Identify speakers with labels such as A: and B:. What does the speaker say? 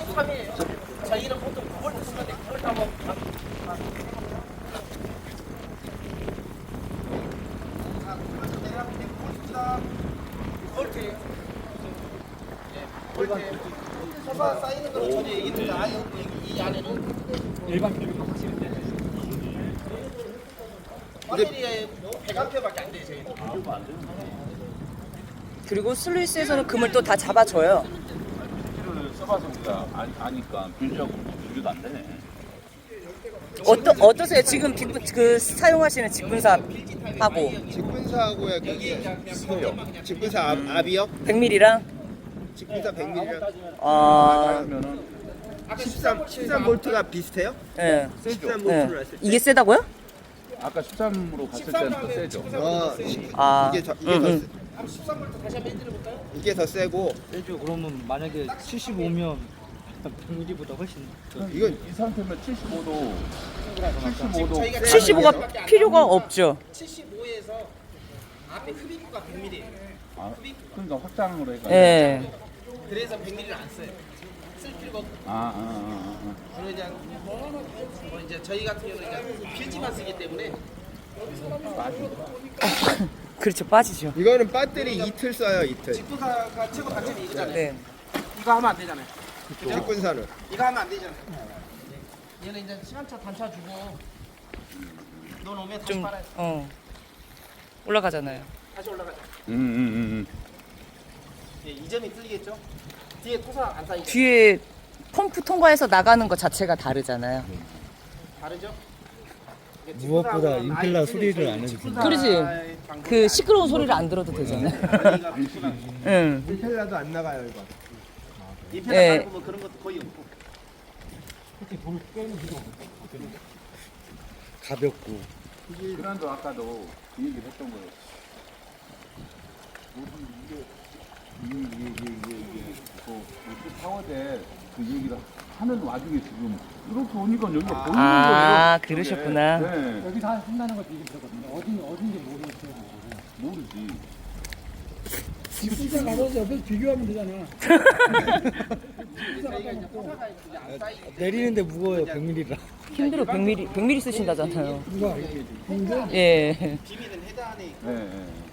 A: 13이에요. 저희는 보통 9월 쓰는데 9월 타고 소사 쌓이는 거는 전혀 얘기는 다 이 안에는
B: 일반 기류가 확실히 돼.
A: 배터리에 100A밖에 안 돼요 저희는.
C: 그리고 슬루이스에서는 금을 또 다 잡아줘요.
D: 를 써봐서 우리가 아니까 비교하고 비교도 안 되네.
C: 어떠세요? 지금 그 사용하시는 직분사하고
E: 직분사하고야 비슷해요. 직분사 압이요?
C: 100mm랑?
E: 직분사 100mm랑
C: 아,
D: 그러면은
E: 13볼트가 비슷해요?
C: 예.
E: 13볼트를 했을 때
C: 이게 세다고요?
D: 아까 13으로 갔을 때는 더 세죠.
C: 아,
E: 이게 더
A: 한번 13V 다시 한번 해드려 볼까요?
E: 이게 더 세고
B: 세죠. 그러면 만약에 75면 100mm보다 훨씬 더.
E: 이건
D: 이 상태면 75도 75도
C: 75가 필요가 없죠.
A: 75에서 앞에 흡입구가 100mm예요.
D: 아, 그러니까 확장으로 해가지고
C: 예.
A: 그래서 100mm를 안 써요. 쓸 필요가 없고. 그리고 이제 저희 같은 경우는 이제 필지만 쓰기 때문에
C: 그렇죠, 빠지죠.
E: 이거는 배터리 이틀 써요 이틀.
A: 직분사가 최고 단점이 이거잖아요.
C: 네.
A: 이거 하면 안 되잖아요.
E: 직분사는
A: 이거 하면 안 되잖아요. 얘는 이제 시간차 단차 주고 너 오면 다시
C: 좀,
A: 빨아요.
C: 올라가잖아요.
A: 다시 올라가죠.
D: 음.
A: 예, 이 점이 틀리겠죠? 뒤에 토사 안 쌓이죠?
C: 뒤에 펌프 통과해서 나가는 것 자체가 다르잖아요.
A: 다르죠?
B: 무엇보다 임펠러 소리를 안 해주신다.
C: 그러지. 그 시끄러운 소리를 안 들어도 되잖아요. 응.
E: 임펠러도 안 나가요 이거.
A: 인페라
C: 예.
A: 네. 보면 그런 것도 거의 없고.
B: 가볍고.
D: 그란도 아까도 그 얘기를 했던 거예요. 이게 그 파워대 그 얘기를 하는 와중에 지금 이렇게 오니까 여기가 보이는
C: 아,
D: 거예요.
C: 그러셨구나.
D: 네.
B: 여기서 한다는 것도 얘기 들었거든요. 어딘지 모르겠어요.
D: 모르지.
B: 직분사 가서 옆에서 비교하면 되잖아.
A: 저희가 이제 토사가 이제 안 쌓이기 때문에
B: 내리는데 무거워요. 100mm라.
C: 힘들어. 100mm 쓰신다잖아요.
B: 누가?
C: 예.
A: 비비는 헤드 안에 있고
D: 네.